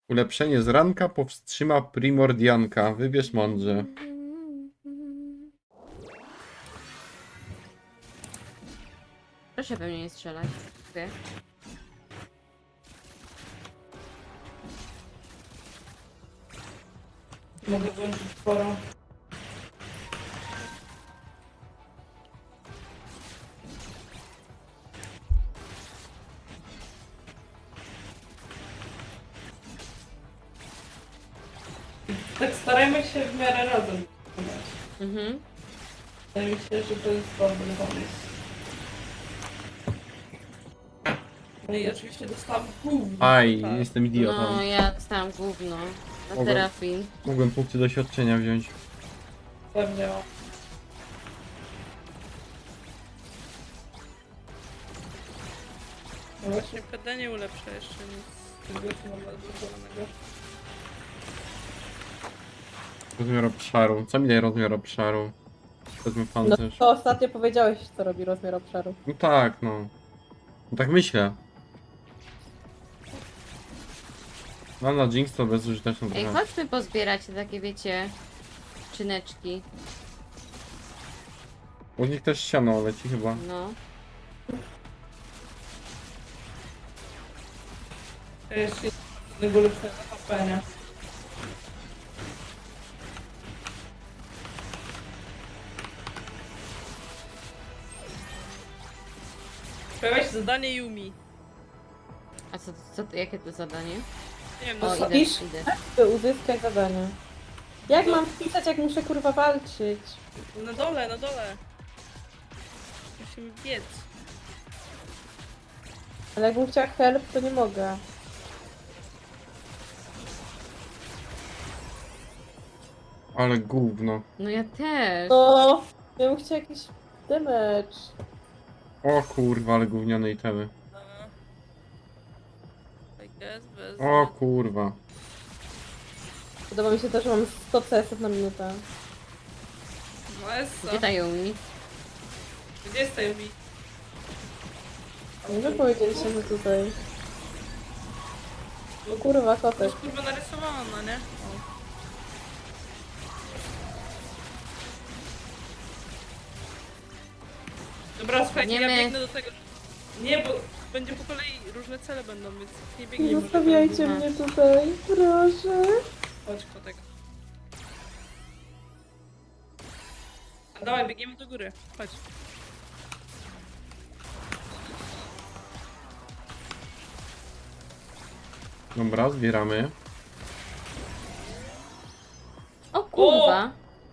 Ulepszenie z ranka powstrzyma Primordianka. Wybierz mądrze. Proszę we mnie nie strzelać. Dziękuję. Mogę włączyć sporo. Tak starajmy się w miarę razem. Mhm. Wydaje mi się, że to jest dobry pomysł. No i oczywiście dostałam gówno. Aj, Tak. jestem idiotą. No, ja dostałam gówno. Na Mogę. terapii. Mogłem punkty doświadczenia wziąć. Pewnie. No właśnie PD nie ulepsza jeszcze nic z tego, co mam zastosowanego. Rozmiar obszaru. Co mi daje rozmiar obszaru? Wezmę No pancerz. to ostatnio powiedziałeś, co robi rozmiar obszaru. No tak, no. No tak myślę. No na Jinx to bezużyteczne Ej, trochę. chodźmy pozbierać te takie, wiecie, czyneczki. U nich też siano leci chyba. No. To jest jednego lepszego HP, nie? Pojawia się zadanie Yumi. A jakie to zadanie? Nie wiem, O, no idę, pisz? idę. By uzyskać zadanie. Jak mam wpisać, jak muszę kurwa walczyć? na dole, na dole. Musimy biec. Ale jakbym chciała help, to nie mogę. Ale gówno. No ja też. No, ja bym chciała jakiś damage. O kurwa, ale gówniane itemy. I guess, bez... O kurwa. Podoba mi się też, że mam 100 CS na minutę. No jest Gdzie ta Yumi? Gdzie jest ta Yumi? Nie powiedzieliście, że tutaj. O kurwa, To kotek. jest kurwa narysowana, nie? O. Dobra, słuchajcie, ja Biegniemy. biegnę do tego. Nie, bo będzie po kolei różne cele będą, więc nie Nie biegniemy. zostawiajcie Aha. mnie tutaj, proszę. Chodź, kotek. A dawaj, biegniemy do góry. Chodź. Dobra, zbieramy. O kurwa.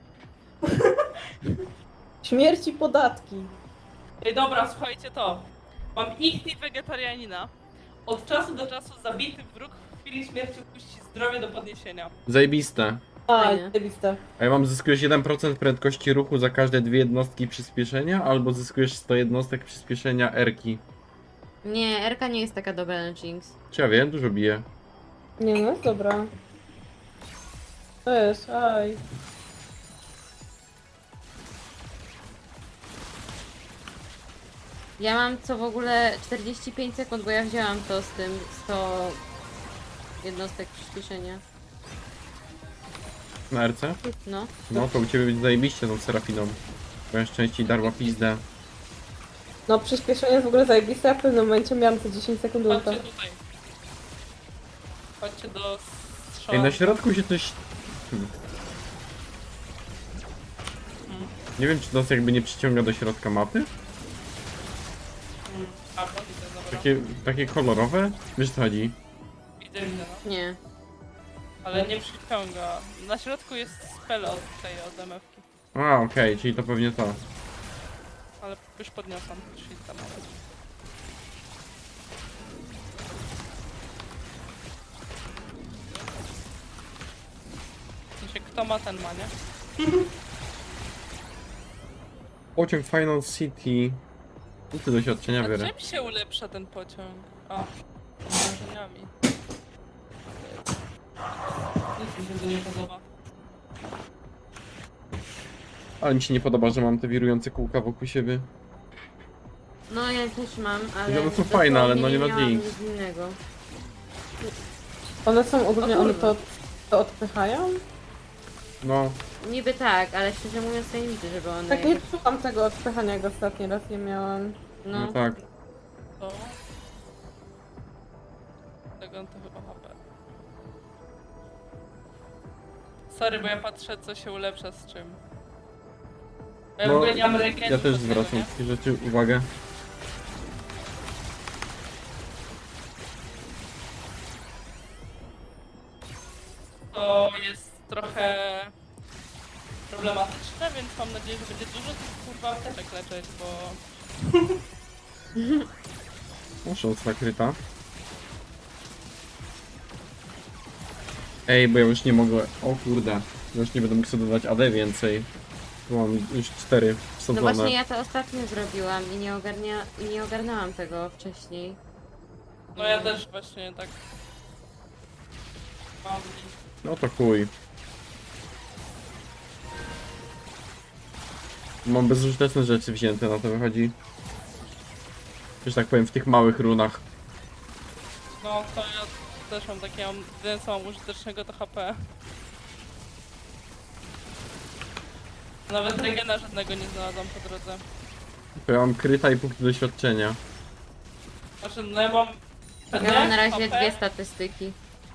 Śmierć i podatki. Ej, dobra, słuchajcie to. Mam ichty wegetarianina. Od czasu do czasu zabity wróg w chwili śmierci puści zdrowie do podniesienia. Zajebiste. A, Fajnie. zajebiste. A ja mam zyskujesz 1% prędkości ruchu za każde 2 jednostki przyspieszenia, albo zyskujesz 100 jednostek przyspieszenia R-ki. Nie, Erka nie jest taka dobra na Jinx. Czy ja wiem, dużo bije. Nie no, jest dobra. To jest, aj. Ja mam co w ogóle 45 sekund, bo ja wzięłam to z tym 100 jednostek przyspieszenia. Na RC? No. No to u ciebie będzie zajebiście tą Serafiną. Bo ja częściej darła pizdę. No przyspieszenie jest w ogóle zajebiste, a w pewnym momencie miałam te 10 sekund ulta. Chodźcie tutaj. Chodźcie do Ej, strzału. na środku się coś... Nie wiem, czy to nas jakby nie przyciąga do środka mapy? A, bo widzę, dobra. Takie kolorowe? Wiesz co chodzi? Widzę, widzę, no. Nie. Ale nie przyciąga. Na środku jest spell od tej, od MF-ki. A, okej, czyli to pewnie to. Ale już podniosłam, czyli tam nawet. W sensie, kto ma, ten ma, nie? Pociąg Final City. Punkty doświadczenia A biorę. czym się ulepsza ten pociąg? A, wrażeniami. Nic mi się to nie podoba. Ale mi się nie podoba, że mam te wirujące kółka wokół siebie. No ja też mam, ale... One są fajne, ale no nie na miałam Jinx. nic innego. One są ogólnie, O one kurwa. to odpychają? No, Niby tak, ale szczerze mówiąc to nie widzę, żeby one Tak nie jakoś... szukam tego odpychania, jak ostatni raz nie miałam. no, No, tak. To... Tego to chyba HP. Sorry, bo ja patrzę, co się ulepsza z czym. Bo ja w No, ogóle nie mam regen. Ja też zwracam takie rzeczy uwagę. To jest trochę problematyczne, więc mam nadzieję, że będzie dużo tych kurwa apteczek leczyć, bo... Muszę nakryta. Ej, bo ja już nie mogę. O kurde. Ja już nie będę mógł sobie dodać AD więcej. Tu mam już 4 no wsadzone. właśnie ja to ostatnio zrobiłam i nie ogarnęłam tego wcześniej. No ja też właśnie tak... Mam... No to chuj. Mam bezużyteczne rzeczy wzięte, na to wychodzi. Że tak powiem, w tych małych runach. No to ja też mam takie, jedyne co mam użytecznego to HP. Nawet regena żadnego nie znalazłam po drodze. To ja mam kryta i punkty doświadczenia. Znaczy, no ja mam... Ja mam na razie HP. 2 statystyki.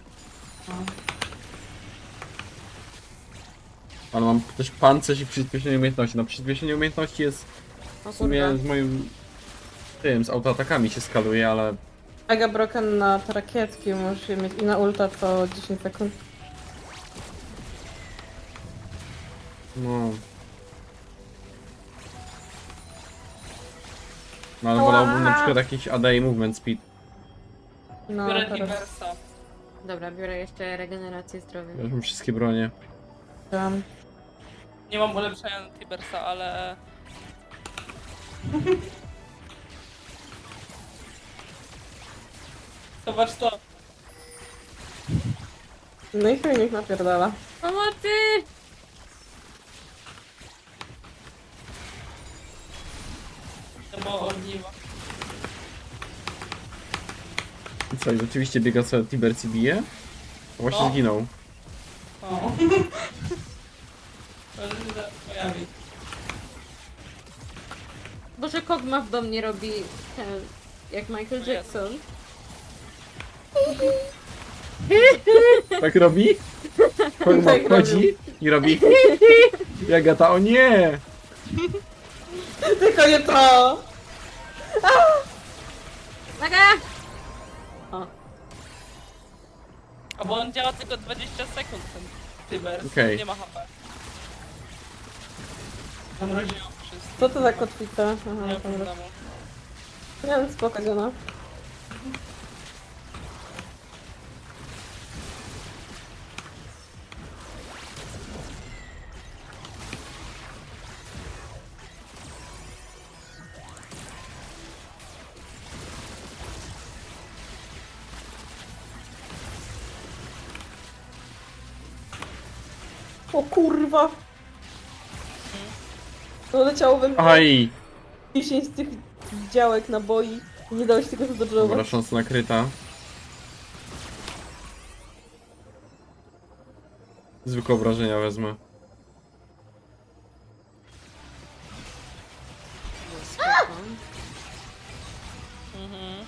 Ale mam też pancerz i przyspieszenie umiejętności. No przyspieszenie umiejętności jest O w sumie kurwa. z moim... tym, z autoatakami się skaluje, ale... Mega broken na te rakietki, możesz je mieć i na ulta co 10 sekund. No... No ale wolałbym na przykład jakiś AD i movement speed. No Biorę teraz Tibersa. Dobra, biorę jeszcze regenerację zdrowia. Ja już mam wszystkie bronie. chciałam. Nie mam ulepszenia na Tibersa, ale... Zobacz to. No i chuj niech napierdala. Pomocy! To było ogniwo. I co, i rzeczywiście biega sobie Tibercy bije? A właśnie No. zginął. O. To się zaraz pojawi. Boże, Kog'Maw do mnie robi ten, jak Michael Jackson. Tak robi? Tak Chodzi i robi... Jagata, o nie! Tylko nie to! Uwaga! O, A bo on działa tylko 20 sekund, ten Tibers. Okej. Nie ma HP. Zamroziło wszystko. Co to za kotwica? Nie Aha, ma dobra. problemu. Nie wiem, spoko, Dziona. O kurwa! To leciało we mnie Aj! 10 tych działek naboi i nie dało się tego Dobra, zadodżować. szansa nakryta. Zwykłe obrażenia wezmę. spoko. Mhm.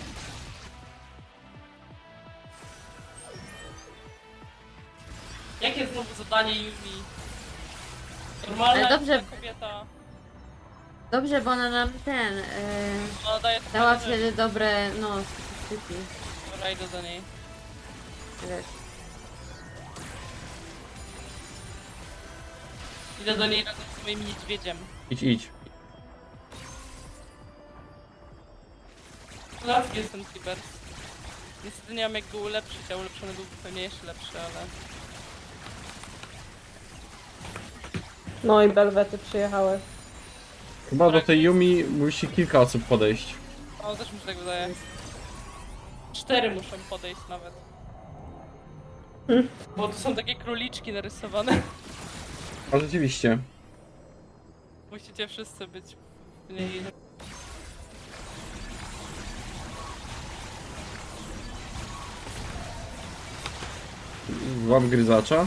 Jakie znowu zadanie Yumi? Normalna Ale dobrze. kobieta. Dobrze, bo ona nam ten, Ona daje dała takie rzeczy. wtedy dobre, no, statystyki. Dobra, idę do niej. Wiesz. Idę do niej razem z moim niedźwiedziem. Idź, idź. Raz jest ten Tibers. Niestety nie mam jak go ulepszyć, a ulepszony byłby pewnie jeszcze lepszy, ale... No i belwety przyjechały. Chyba do tej Yumi musi kilka osób podejść. O, też mi się tak wydaje. 4 muszą podejść nawet. Bo tu są takie króliczki narysowane. A rzeczywiście. Musicie wszyscy być w niej. Złap gryzacza.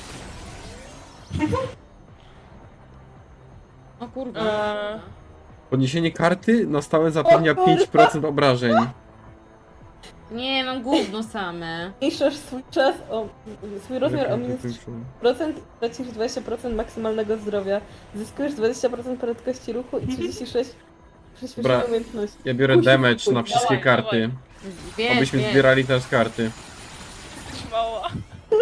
O kurwa. Podniesienie karty na stałe zapewnia O kurwa. 5% obrażeń. Nie, mam gówno same. Zmniejszasz swój czas o swój rozmiar o minus 3% i tracisz 20% maksymalnego zdrowia. Zyskujesz 20% prędkości ruchu i 36 przyspieszenia Dobra. umiejętności. Ja biorę Kusi, damage kusi. na wszystkie Dawaj, karty. Wiesz, Abyśmy wiesz. zbierali teraz karty. Jesteś mała.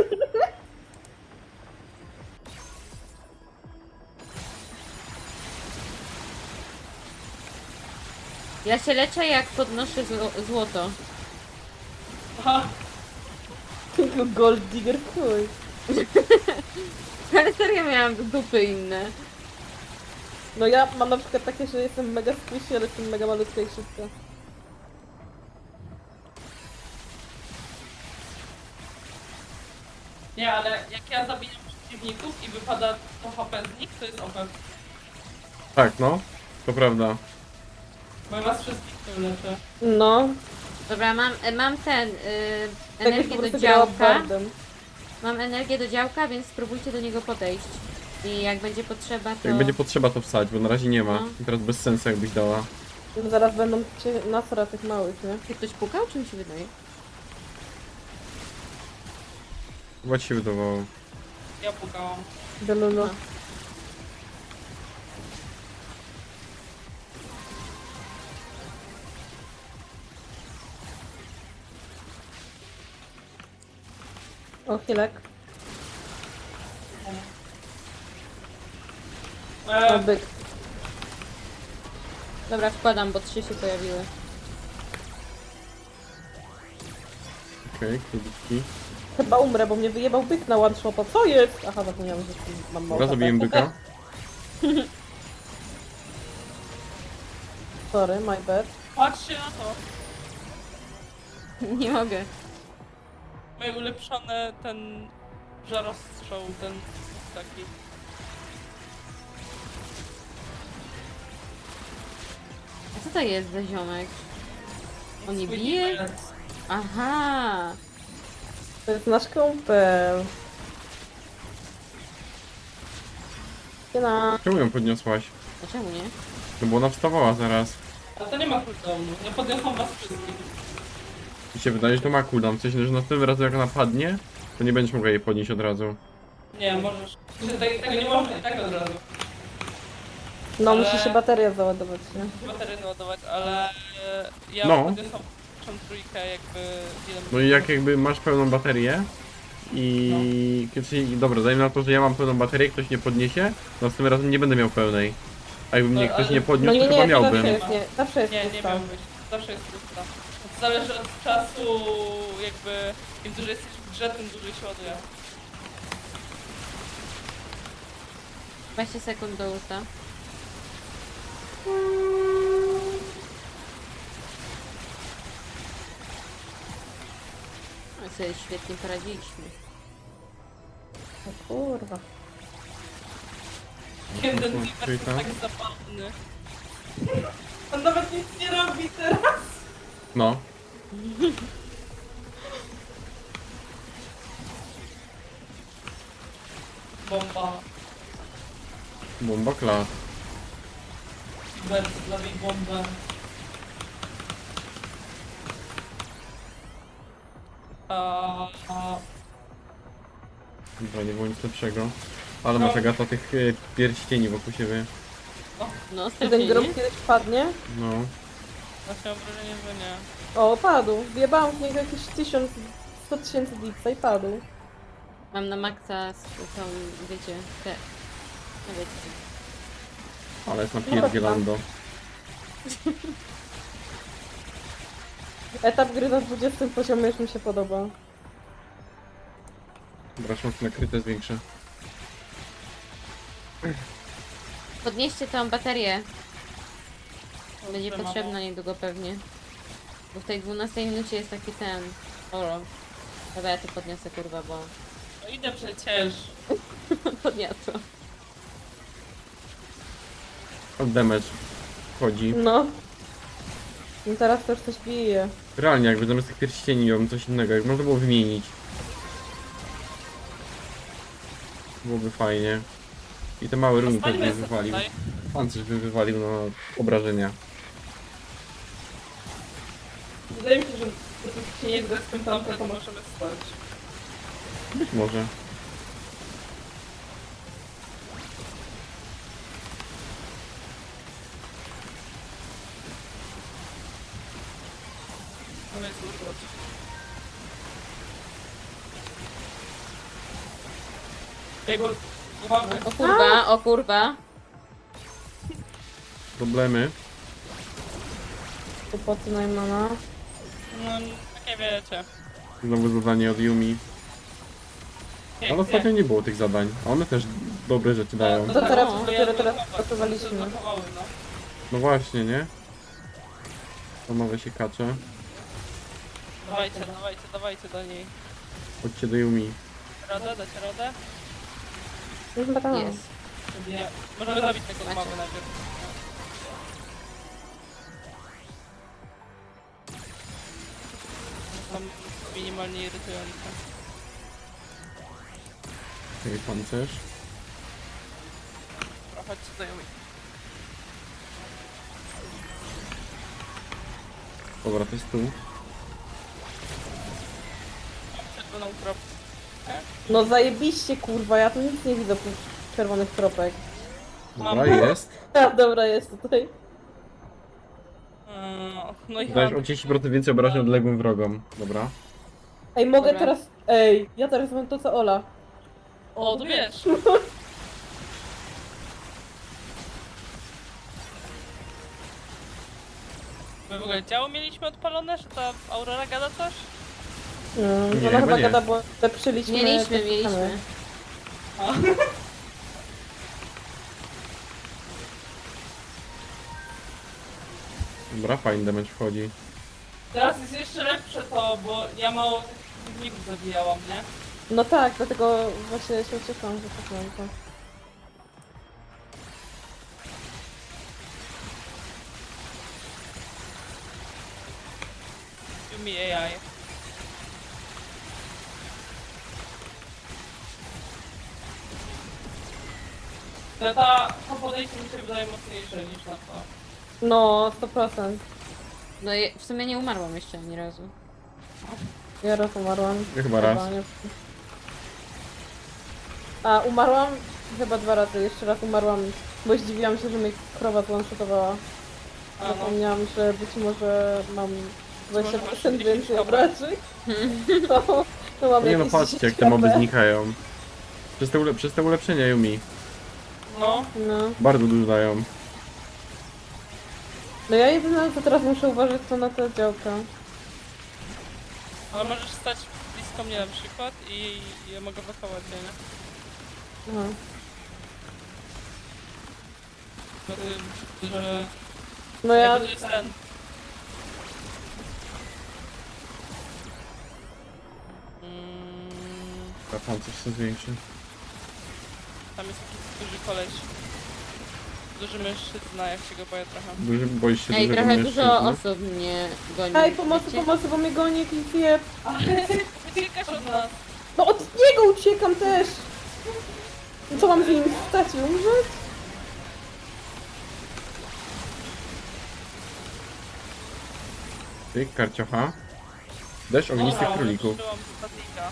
Ja się leczę jak podnoszę złoto. Aha. Tylko gold digger w chuj. Ale serio miałam dupy inne. No ja mam na przykład takie, że jestem mega squishy, ale jestem mega malutka i szybka. Nie, ale jak ja zabijam przeciwników i wypada to HP z nich, to jest OP. Tak, no. To prawda. Bo ja was wszystkich tym leczę. No, Dobra, mam ten, tak jak po energię do prostu grała działka. bardem. Mam energię do działka, więc spróbujcie do niego podejść. I jak będzie potrzeba, to... Jak będzie potrzeba to wsać, bo na razie nie ma. No. I teraz bez sensu jakbyś dała. No zaraz będą cię nasra tych małych, nie? Czy ktoś pukał, czy mi się wydaje? Chyba ci się wydawało. Ja pukałam. Delulu. No. O, chwilek. O, byk. Dobra, wkładam, bo 3 się pojawiły. Okej, króliki. Chyba umrę, bo mnie wyjebał byk na one shopa. Co jest? Aha, zapomniałam, że mam mało. Dobra, zabiłem byka. Sorry, my bad. Patrzcie na to. Nie mogę. Moje ulepszone ten żarostrzał, ten taki. A co to jest za ziomek? On nie Swój bije? nivel. Aha! To jest nasz kumpel. Siema. Czemu ją podniosłaś? A czemu nie? No bo ona wstawała zaraz. A to nie ma cooldownu. Ja podniosłam was wszystkich. I się wydaje, że to ma cooldown. W sensie, że następnym razem jak ona padnie, to nie będziesz mogła jej podnieść od razu. Nie, możesz. Tego nie można i tak od razu. No, Ale- musi się bateria załadować, nie? Baterię naładować, ale ja No. podniosłam tą trójkę jakby ile No i jak jakby masz pełną baterię i... Czyli, dobra, dajmy na to, że ja mam pełną baterię, ktoś nie podniesie, następnym razem nie będę miał pełnej. A jakby mnie No, ktoś ale- nie No podniósł, nie, to chyba nie, to miałbym. zawsze jest, nie, zawsze jest Nie, nie pusta. miał być. Zawsze jest pusta. To zależy od czasu, jakby im dłużej jesteś w grze, tym dłużej się ładuje. 20 sekund do ulta. No sobie świetnie poradziliśmy. O kurwa. Jeden to Zimmer jest trójka. tak zabawny. On nawet nic nie robi teraz. No. Bomba. Bomba klas. Bert, zabij bombę. A... Dobra, nie było nic lepszego. Ale masz Agata tych pierścieni wokół siebie. No, Czy ten strasznie, grób nie? kiedyś padnie? No. Właśnie mam wrażenie, że nie. O, padł. Wjebałam w niego jakieś 100 tysięcy dipsa i padł. Mam na maksa tą, wiecie, te... No wiecie. Ale jest napierdzielando. Etap gry na 20 poziomie już mi się podoba. Dobra, szanse na kryte zwiększę. Podnieście tą baterię. Będzie Dobrze, potrzebna mamo. niedługo pewnie. Bo w tej 12 minucie jest taki ten... Oro. Dobra, ja to podniosę, kurwa, bo... No idę przecież. Podniosłam. Od damage wchodzi. No. No teraz to już coś bije. Realnie, jakby zamiast tych pierścieni miałbym coś innego, jak można było wymienić. Byłoby fajnie. I te małe runy też Spalimy by sobie wywalił. tutaj. Pancerz by wywalił na obrażenia. Wydaje mi się, że dopóki się nie zrespią tamte, to możemy stać. Być może. Ale jest urgot. Ej, bo... Uwaga. O kurwa, o kurwa. Problemy. Kłopoty Najmana. No, takie wiecie. Znowu zadanie od Yumi. Nie, Ale ostatnio nie było tych zadań. A one też dobre rzeczy dają. No to teraz, No. dopiero teraz pracowaliśmy. Zablokowały, no. No właśnie, nie? To nowe się kacze. Dawajcie, dawajcie, dawajcie do niej. Chodźcie do Yumi. Radę, dacie radę? Już chyba tam. Jest. Nie. Możemy zabić tego Macie. mamy najpierw. Tam minimalnie irytujące. Okej, pancerz. Chodźcie do Yumi. Dobra, to jest tu. Czerwoną kropkę. No zajebiście kurwa, ja tu nic nie widzę oprócz czerwonych kropek. Dobra, jest. A, dobra, jest tutaj. No i Dajesz o mam. 10% więcej obrażeń odległym wrogom. Dobra. Ej, mogę Dobra. teraz... Ej, ja teraz mam to co Ola. O, to wiesz. My w ogóle działo mieliśmy odpalone, że ta Aurora gada coś? Nie, Ona chyba chyba nie. gada, bo lepszyliśmy... Mieliśmy, te mieliśmy. ściany. A. Dobra, fajny damage wchodzi. Teraz jest jeszcze lepsze to, bo ja mało tych przeciwników zabijałam, nie? No tak, dlatego właśnie się cieszyłam, że tak mam to. Yumi AI. Ale to podejście mi się wydaje mocniejsze niż na to. No, 100%. No i w sumie nie umarłam jeszcze ani razu. Ja raz umarłam. Ja chyba raz. nie. A, umarłam chyba 2 razy. Jeszcze raz umarłam, bo zdziwiłam się, że mnie krowa złączotowała. A, no. Zapomniałam, że być może mam może masz 20% jakieś więcej dobra. obrażeń. To mam Nie no, jakieś patrzcie jak 10 te moby HP. znikają. Przez te ulepszenia Yumi. No, No. Bardzo dużo dają. No ja jedyne co teraz muszę uważać to na te działka. ale możesz stać blisko mnie na przykład i ja mogę wychować, nie? Aha. Że... No ja... To jest ten. A pancerz się zwiększy. Tam jest taki duży koleś. Duży mężczyzna, jak się go boję trochę. Boisz się Ej, dużego trochę mężczyzny? dużo osób mnie goni. Ej, pomocy, wiecie? pomocy, bo mnie goni jakiś zjeb. Uciekasz od nas! No od niego uciekam też! No co mam z nim stać i umrzeć? Ty, karciocha. Deszcz ognistych Dobra, królików. użyłam statika.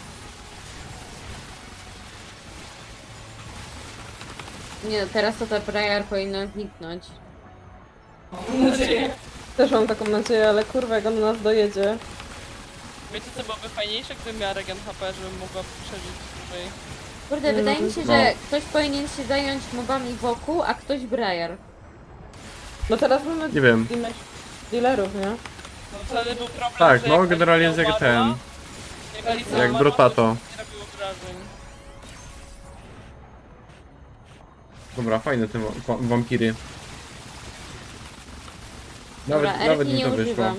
Nie, no, teraz to ta Briar powinna zniknąć. Mam nadzieję. Też mam taką nadzieję, ale kurwa jak on nas dojedzie. Wiecie co byłoby fajniejsze, gdybym miała regen HP, żebym mogła przeżyć dłużej. Kurde, No, wydaje mi się, no. że ktoś powinien się zająć mobami wokół, a ktoś Briar. No teraz mamy Nie wiem. dealerów, nie? No wtedy był problem, Tak, że no jak generalnie Alicja jest jak umarła, ten. Jak Alicja Jak umarła, Brotato. to nie robiło wrażeń. Dobra, fajne te wampiry. Nawet, Dobra, nawet Erki mi nie to wyszło. używam.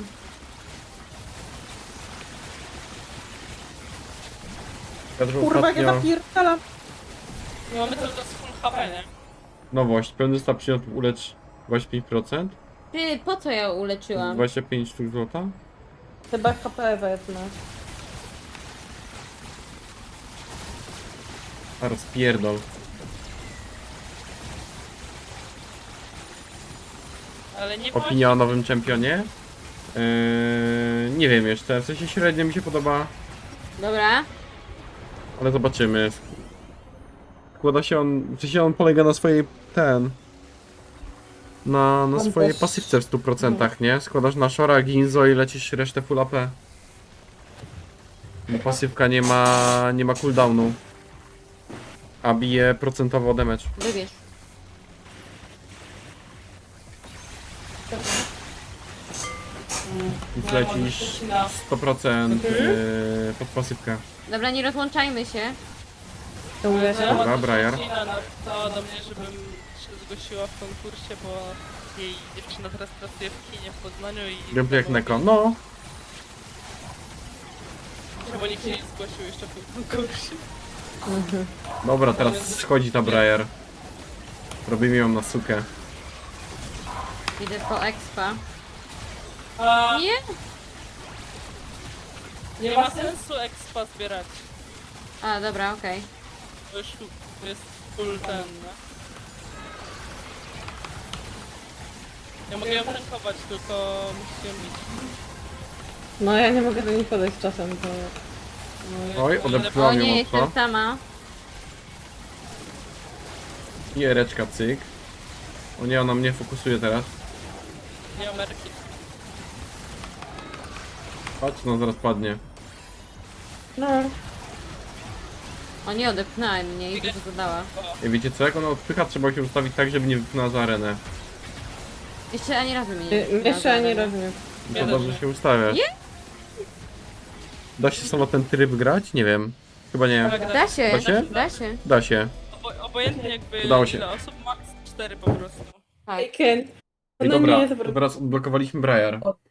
Piotr Kurwa jak ja ostatnio zapierdalam. Nie mamy cały czas full HP, nie? nowość. Pełny stop przyniósł ulecz 25%. Ty, po co ja uleczyłam? 25 sztuk złota. Chyba HP wezmę. A rozpierdol. Ale nie Opinia o nowym czempionie? Nie wiem jeszcze, w sensie średnio mi się podoba, Dobra. ale zobaczymy. Składa się on, w sensie on polega na swojej, na On swojej też- pasywce w 100%, nie? Składasz na Shora, Ginzo i lecisz resztę full AP. Bo pasywka nie ma cooldownu. A bije procentowo damage. Wybierz. Więc No, lecisz na 100% pod pasywkę. Dobra, nie rozłączajmy się. To mówię się? Dobra, Briar. napisała do mnie, żebym się zgłosiła w konkursie, bo jej dziewczyna teraz pracuje w kinie w Poznaniu i... Gameplay jak Neko. No, Bo nikt się nie zgłosił jeszcze w tym konkursie. dobra, teraz schodzi ta Briar. Robimy ją na sukę. Idę po expa. A Nie? nie ma sensu expa zbierać. A, dobra, okej. To już jest full ten, nie? Ja mogę ją tankować, tylko musicie ją bić. No ja nie mogę do nich podejść czasem, to... No, Oj, ja- O odepchnąłem ją nie, mocno. jestem sama. I ereczka, cyk. O nie, ona mnie fokusuje teraz. Nie mam merki. Patrz, no zaraz padnie. No. O nie, odepchnąłem mnie i dużo zadała. I wiecie co, jak ona odpycha, trzeba się ustawić tak, żeby nie wypchnęła za arenę. Jeszcze ani razu mnie nie Jeszcze wypchnęła ani za razu nie. To Ja dobrze też się ustawiasz. Da się sama ten tryb grać? Nie wiem. Chyba nie. Da się, Da się? da się. Da się. Obojętnie jakby Udało się. ile osób, max 4 po prostu. Tak. I can't. I Ona dobra, nie jest to teraz odblokowaliśmy Briar.